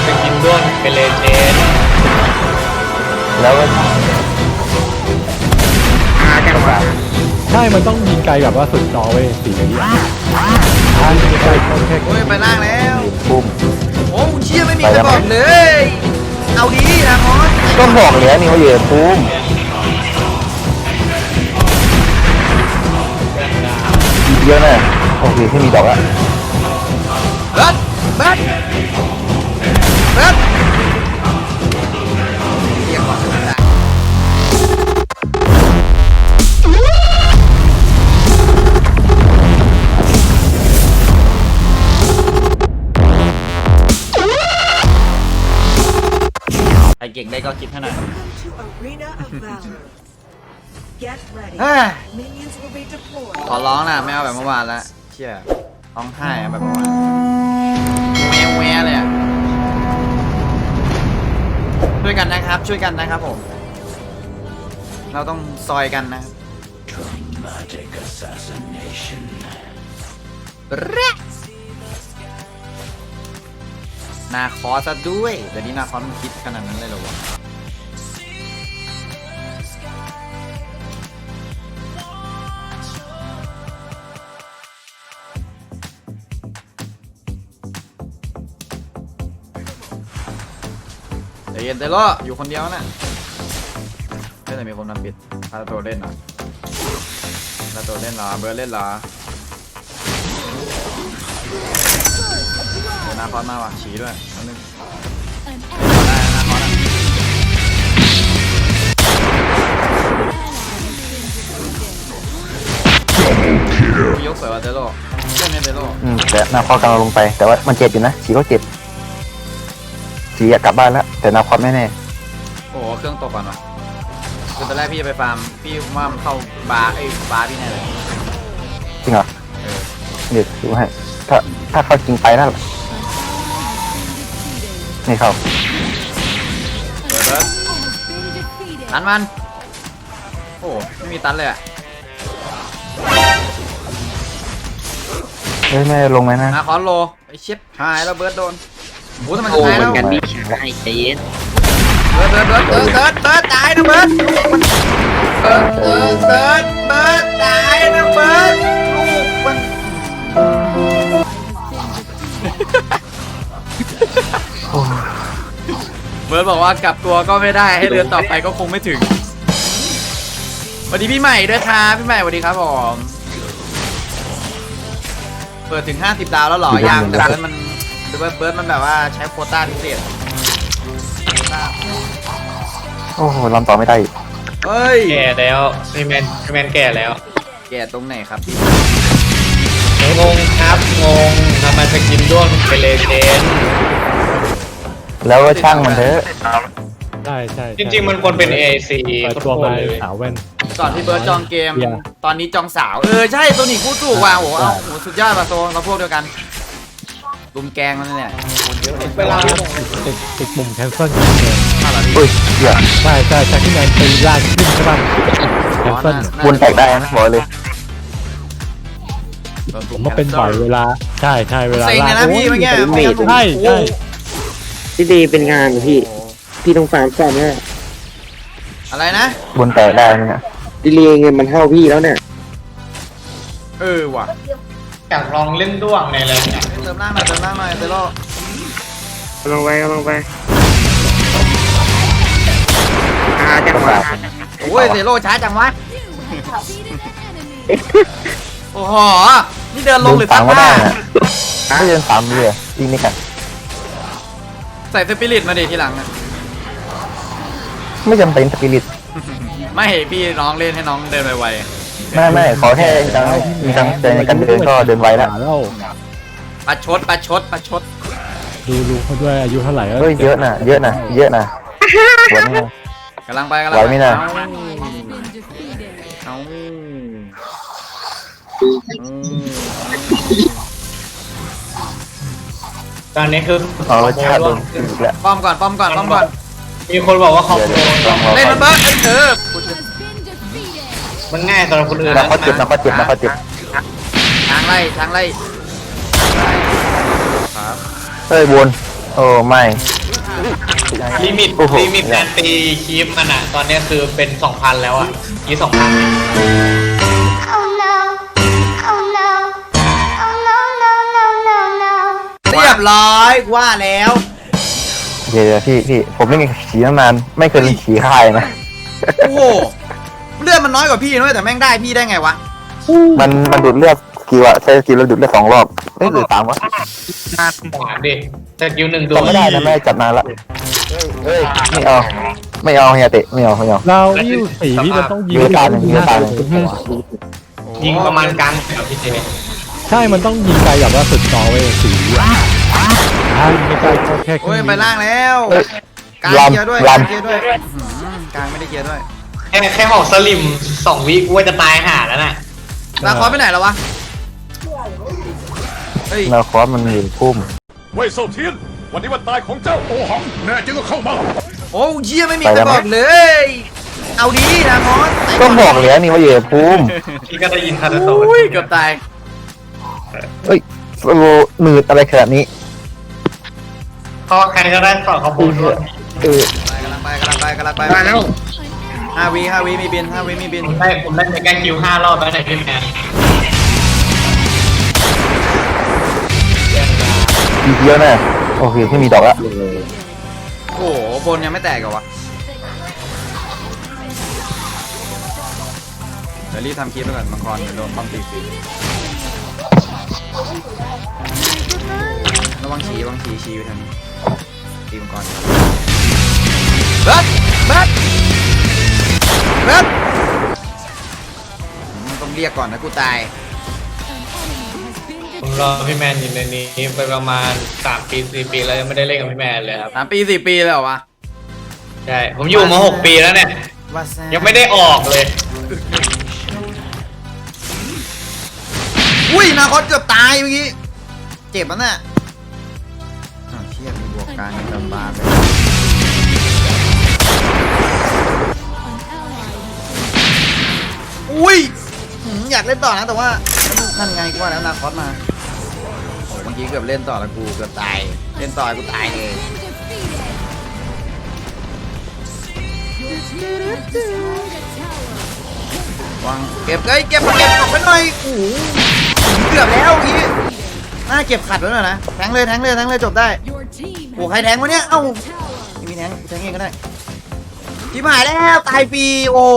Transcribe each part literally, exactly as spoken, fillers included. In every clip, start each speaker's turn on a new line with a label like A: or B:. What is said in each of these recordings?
A: สกินด้วนเป็นเลเจนด์
B: แล้วก็
C: ใช่มันต้องยิงไกลแบบว่าสุดจอเว้ยสีนี้อ่ะถ้ายิงไกลต้องแค่
D: โอ้ยไปล่างแล้ว
B: ปุ้ม
D: โอ้เชี่ยไม่มีใครบอกเลยเอาดีนะมอส
B: ก็บอกแล้วนี่ว่าอยู่ปุ้มเยอะนะโอเคที่มีดอกอะ
D: เบิร์ดเบิร์ดเบิร์ดเรียกก่อนนะไอเก่งได้ก็คิดให้หน่อยขอร้องนะไม่เอาแบบเมื่อวานแล้วเชี่ยร้องไห้แบบเมื่อวานแววแววเลยอ่ะช่วยกันนะครับช่วยกันนะครับผมเราต้องซอยกันนะครับนาคอซะด้วยเดี๋ยวนี้นาคอมันคิดขนาดนั้นเลยเหรอวะเดี๋ยวเย็นเตโร่อยู่คนเดียวนะไม่แต่มีคนมาปิดพาตัวเล่นเหรอพาตัวเล่นเหรอเบิร์ดเล่นเหรอเดี๋ยวนาคอสมาว่ะฉีด้วยนิดนึงได้นาคอสนะยกสวยว่ะเตโร่เล่นไหมเตโร่
B: อืมแต่นาคอกำลังลงไปแต่ว่ามันเจ็บอยู่นะฉีก็เจ็บฉีอยากกลับบ้านแล้วแต่นาคอไม่แน่
D: โอ้โหเครื่องตกก่อนวะคือตอนแรกพี่จะไปฟาร์มพี่ว่ามันเข้าบาร์ไอ้บาร์พี่แน่เลย
B: จริงเหรอ
D: เออ
B: เดี๋ยวดูให้ถ้าถ้าเขาจริงไปนั่นนี่เขา
D: เบิร์ดเบิร์ดตันมันโอ้ไม่มีตันเลยอ่ะ
B: เฮ้ยแม่ลงไหมนะ
D: นาคอนโลไอเช็ดหายแล้วเบิร์ดโดนโอ้ทำไม
A: โอ้
D: ตาย
A: เหมื
D: แล้
A: อ
D: วน
A: กันพี่ฉายใจเย็น
D: เบิร์ดเบิร์ดเบิร์ดเบิร์ดเบิร์ดเบิร์ดตายนะเบิร์ดเบิร์ดเบิร์ดเบิร์ดเบิร์ดตายนะเบิร์ดลูกมันเบิร์ดบอกว่ากลับตัวก็ไม่ได้ให้เรือนต่อไปก็คงไม่ถึงสวัสดีพี่ใหม่ด้วยครับพี่ใหม่สวัสดีครับผมเปิดถึงห้าสิบดาวแล้วหรอยังแต่เบิร์ดมันเบิร์ดเบิร์ดมันแบบว่าใช้โควต้าพิเศษ
B: โอ้โหลำต่อไม่ได้
D: เฮ้ย
A: แก่แล้วพี่แมนพี่แมนแก่แล้ว
D: แก่ตรงไหนครับพี่
A: งงครับงงทำไมสกินด้วนเป็นเลเจนด์
B: แล้วก็ช่างมันเถอะ
C: ใช่ใช่
A: จริงๆมันควรเป็น เอ ซี
C: เปิดตัวมาสาวแว่น
D: ก่อนที่เบิร์ดจองเกมตอนนี้จองสาวเออใช่ตัวนี้คู่ถูกว่ะโหเอาโหสุดยอดป่ะโซเราพวกเดียวกันลุมแกงมันเนี่ย
A: เวลา
C: ติดติดมุมแคนเซิล
B: อุ้ยเหี้ย
C: ใช่ใช่ใช่ที่แมนตีล่างขึ้นใช่ป่ะแคนเซิล
B: วนแตกได้นะบอกเลย
C: ผมว่าเป็นบ่อยเวลาใช่ใช่เวลา
D: เซ็งเลยนะพี่เมื่อกี้
C: ใช่ใช่
E: ที่ดีเป็นงานพี่พี่ต้องฟาร์มก่อนเนี่ย
D: อะไรนะ
B: วนแตกได้เนี่ย
E: ดิเลเงินมันเท่าพี่แล้วเนี่ย
D: เออว่ะ
A: อยากลองเล่นด้วงในอะไรเนี่ย
D: เติมล่างหน่อยเติมล่างหน่อยเตโร่
E: ลงไปลงไปอาจังหวะ
D: โอ้ยเตโร่ช้าจังวะโอ้โหนี่เดินลงหรือ
B: ตั
D: ง
B: ไม่ได้ไม่เดินสามเลยยิงไม่กัน
D: ใส่สปิริตมาดิทีหลังนะ
B: ไม่จำเป็นสปิริต
D: ไม่พี่น้องเล่นให้น้องเดินไว
B: ๆไม่ไม่ขอแค่จังมีจังใจในการเดินก็เดินไวแล้ว
D: ปัดชดปัดชดปัดชด
C: ดูลุงเขาด้วยอายุเท่าไหร่
B: เฮ้ยเยอะนะเยอะนะเยอะนะวันนี้
D: กำลังไปกำลัง
B: ไหวไหมนะ
A: ตอนนี้คือ
B: เอาชาติโดนแล้ว
D: ป้อมก่อนป้อมก่อนป้อมก่อน
A: มีคนบอกว่าเขา
D: เล่นมันเบิร์ดเออ
A: มันง่ายสำหรับคนอื่น
B: นะเขาเจ็บนะเขาเจ็บนะเขาเจ็บ
D: ทางไล่ทางไล่ครับ
B: เฮ้ยวนโอ้ไม่
A: ลิมิต
B: โอ้โห
A: ลิมิตการตีคีปมันอะตอนเนี้ยคือเป็นสองพันแล้วอะคีสองพัน
F: Oh no. Oh no. Oh no, no, no, no, no.
D: เรียบร้อยว่าแล้ว
B: เดี๋ยวพี่พี่ผมเล่นขี่ตั้งนานไม่เคยเล่นขี่ค่ายนะ
D: โอ้โหเลือดมันน้อยกว่าพี่นะแต่แม่งได้พี่ได้ไงวะ
B: มันมันดูดเลือดสกิลอะใช้สกิลแล้วดูดเลือดสองรอบเอ้ยหรือสามวะ
A: สามดิแต่คิวหนึ่งตัว
B: จำไม่ได้นะไม่ได้จัดนานละเฮ้ยไม่เอาไม่เอาเฮียเตะไม่เอาไม่เอา
C: เราวิวสีพี่มันต้องยิง
B: ยืนตาหนึ่งยืนตาหนึ่ง
A: ยิงประมาณกลางแถวพี่เจ
C: ใช่มันต้องยิงไกลแบบว่าสุดจอเว้ยสีอ่ะอ่ายิงไกลก็แค่
D: โอ้ยไปล่างแล้วกลางเกียร์ด้วยกลางเกียร์ด้วยอื้อหือกลางไม่ได้เกียร์ด้วย
A: แค่แค่หอกสลิมสองวิกูว่าจะตายห่าแล้วน่ะ
D: ลาคอสไปไหนแล้ววะเฮ้ย
B: นาคอสมันยืนพุ่ม
G: เว่ยเซาเทียน วันนี้วันตายของเจ้าโอหัง แน่จริงก็เข้ามา
D: โอ้เยี่ยไม่มีใครบอกเลย เอาดีนะคอส
B: ก็บอกแล้วนี่ว่าอยู่พุ่ม
A: พี่ก็ได้ยินคาร์โต
D: อุ้ยเกือบตาย
B: เอ้ยโลหนืดอะไรขนาดนี้
A: พอใครก็ได้สอนเขาพูดด้วย
B: เออ
D: กำลังไปกำลังไปกำลังไป
A: มาแล้ว
D: ห้าวิห้าวิมีบินห้าวิมีบิน
A: ผมได้ผมได้ในการคิวห้ารอบแล้วในพี่แมน
B: ทีเดียวนะโอเคไม่มีดอกละ
D: โอ้โหบนยังไม่แตกเหรอวะเดี๋ยวรีบทำคลิปไปก่อนมังกรเดี๋ยวโดนป้อมตีฟรีระวังฉีระวังฉีฉีอยู่ทางนี้ตีมังกรเบิร์ดเบิร์ดเบิร์ดมันต้องเรียกก่อนนะกูตาย
A: ผมรอพี่แมนอยู่ในนี้ไปประมาณสามปีสี่ปีแล้วยังไม่ได้เล่นกับพี่แมนเลยครับ
D: สามปีสี่ปีเลยเหรอวะ
A: ใช่ผมอยู่มาหกปีแล้วเนี่ย
D: ว่าแซ่
A: ยังไม่ได้ออกเลย
D: อุ้ยนาคอสเกือบตายเมื่อกี้เจ็บมันน่ะอ้าวเชี่ยมีบวกกลางกำบาลเลยอุ้ยหืมอยากเล่นต่อนะแต่ว่านั่นไงกูว่าแล้วนาคอสมาโอ้เมื่อกี้เกือบเล่นต่อแล้วกูเกือบตายเล่นต่อกูตายเลยวางเก็บเอ้ยเก็บเก็บออกไปหน่อยโอ้โหเกือบแล้วเมื่อกี้น่าเก็บขัดไว้หน่อยนะแทงเลยแทงเลยแทงเลยจบได้โอ้ใครแทงวะเนี่ยเอ้าไม่มีแทงแทงเองก็ได้ชิบหายแล้วตายฟรีโอ้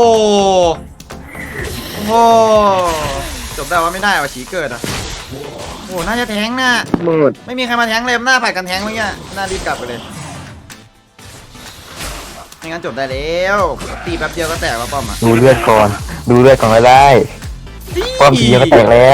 D: โหจบได้ว่าไม่ได้ว่ะฉีเกิดอ่ะโอ้น่าจะแทงน่ะ
E: หมด
D: ไม่มีใครมาแทงเลยหน้าผัดกันแทงเมื่อกี้น่ารีบกลับไปเลยไม่งั้นจบได้แล้วตีแป๊บเดียวก็แตกว่าป้อมอ่ะ
B: ดูเลือดก่อน ดูเลือดก่อนก็ได้ป้อมทีเดียวก็แตกแล้ว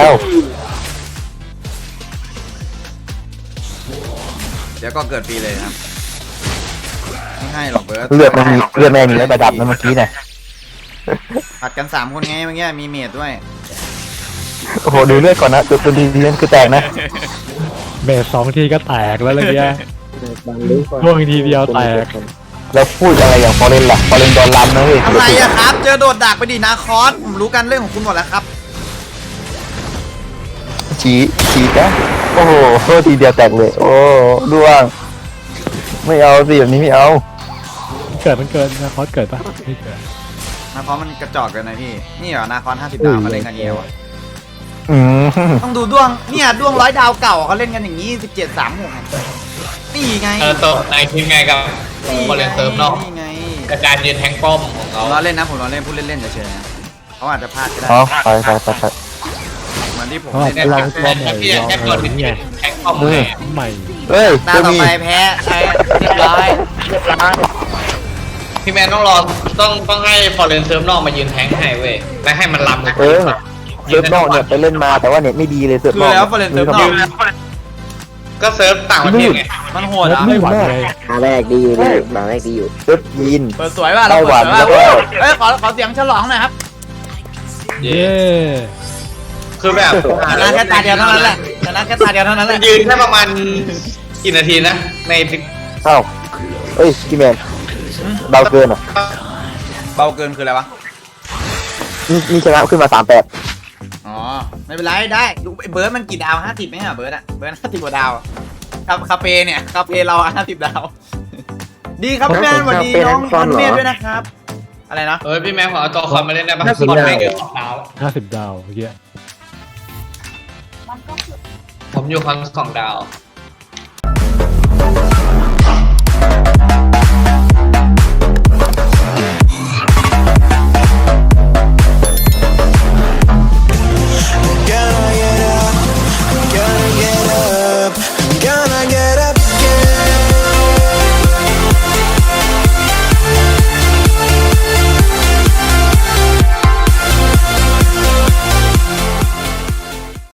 D: เดี๋ยวก็เกิดฟรีเลยครับไม่ให้หรอกเบิร์ด
B: เลือดมันมีเลือดแม่มีแล้วประดับนะเมื่อกี้น่ะ
D: ผัดกันสามคนไงเมื่อกี้มีเมดด้วย
B: โอ้โหดูเลือดก่อนนะดูดูดีๆนั่นคือแตกนะ
C: เบสสองทีก็แตกแล้วอะไรเงี้ยล่วงทีเดียวแตก
B: แล้วพูดอะไรอย่างฟอเรนล่ะฟอเรนโดนลำนะเว้ย
D: อะไรอะครับ เจอโดดดักไปดินาคอสผมรู้กันเรื่องของคุณหมดแล้วครับ
B: ชี้ชี้นะโอ้โหทีเดียวแตกเลย โอ้ร่วงไม่เอาสิแบบนี้ไม่เอา
C: เกิดมันเกิดนะคอสเกิดปะไม่เกิด
D: นาคอสมันกระจอกเกินนะพี่นี่เหรอนาคอสห้าสิบดาวเขาเล่นกันเยวอะ
B: อืม
D: ต้องดูดวงเนี่ยดวงร้อยดาวเก่าเขาเล่นกันอย่างนี้สิบเจ็ดสามหกนี่ไง
A: เออตัวในทีมไงกับคอนเลนเซิร์ฟนอก
D: นี่ไง
A: กับการยืนแทงป้อมของ
D: ผ
A: เขา
D: มล้อเล่นนะผมล้อเล่นพูดเล่นๆเฉยๆนะเขาอาจจะพลาดก็ได้
B: อ๋อไปไปไปไป
D: เหมือนที่ผม
C: เขาอาจ
D: เล่
C: จะ
D: น
C: ลองตัวใหม่
A: พี่
C: ลอง
A: แค่
C: อะ
A: กด
C: ไร
A: ที่
C: เงี้ย
A: แทงป้อมแหม
C: ใหม่
B: เฮ้ย
D: ตา
B: จะ
D: ต่อ
B: มี
D: ไปแพ้ใช่เรียบร้อยเรียบร้อย
A: พี่แมนต้องรอต้องต้องให้ฟอร์เรนเซิร์ฟนอกมายืนแทงให้เว้ยและให้มันลำกับ
B: เออเซิร์ฟนอกเนี่ยไปเล่นมาแต่ว่าเน็ตไม่ดีเลยเซิร์ฟ
D: คื
B: น
D: อ
B: อก
D: แล้วฟอร์เรนเซิร์ฟนอก
A: ก็เซิร์ฟต่างประเทศไง
D: มันโหดอ่ะ
C: ไม่หวั่นเลย
E: ตาแรกดีอยู่เลยตาแรกดีอยู่
B: เซิร์ฟยีน
D: เปิดสวยว่ะเรา
B: ไต้ห
D: เปิ
B: วั
D: ด
B: น
D: สวยว่ะ
B: แล้วก็
D: เอ้ยขอขอเสียงฉลองหน่อยครับ
A: เย่
C: เย้
A: คือแบบ
D: ชนะแค่ตาเดียวเท่านั้นแหละชนะแค่ตาเดียวเท่านั้นแหละ
A: ยืนแค่ประมาณกี่นาทีนะใน
B: เอ้าเอ้ยพี่แมนเบาเกินเหรอ
D: เบาเกินคืออะไรวะ
B: นี่นี่ชนะขึ้นมาสามแปด
D: อ๋อไม่เป็นไรได้ดูไอ้เบิร์ดมันกี่ดาวห้าสิบไหมอ่ะเบิร์ดอ่ะเบิร์ดห้าสิบกว่าดาวครับคาเฟ่เนี่ยคาเฟ่เราห้าสิบดาวดีครับพี่แมนสวัสดีน้องพันเมธด้วยนะครับ อะไรนะ
A: เฮ้ยพี่แม่ขอเอาตัวคอนมาเล่นได้ปะ
E: ห้าสิบ
A: คอน
E: ดาว
A: ไม่เกินสองดาว
C: ห้าสิบดาวเมื่อกี้
A: ผมอยู่คอนสองดาว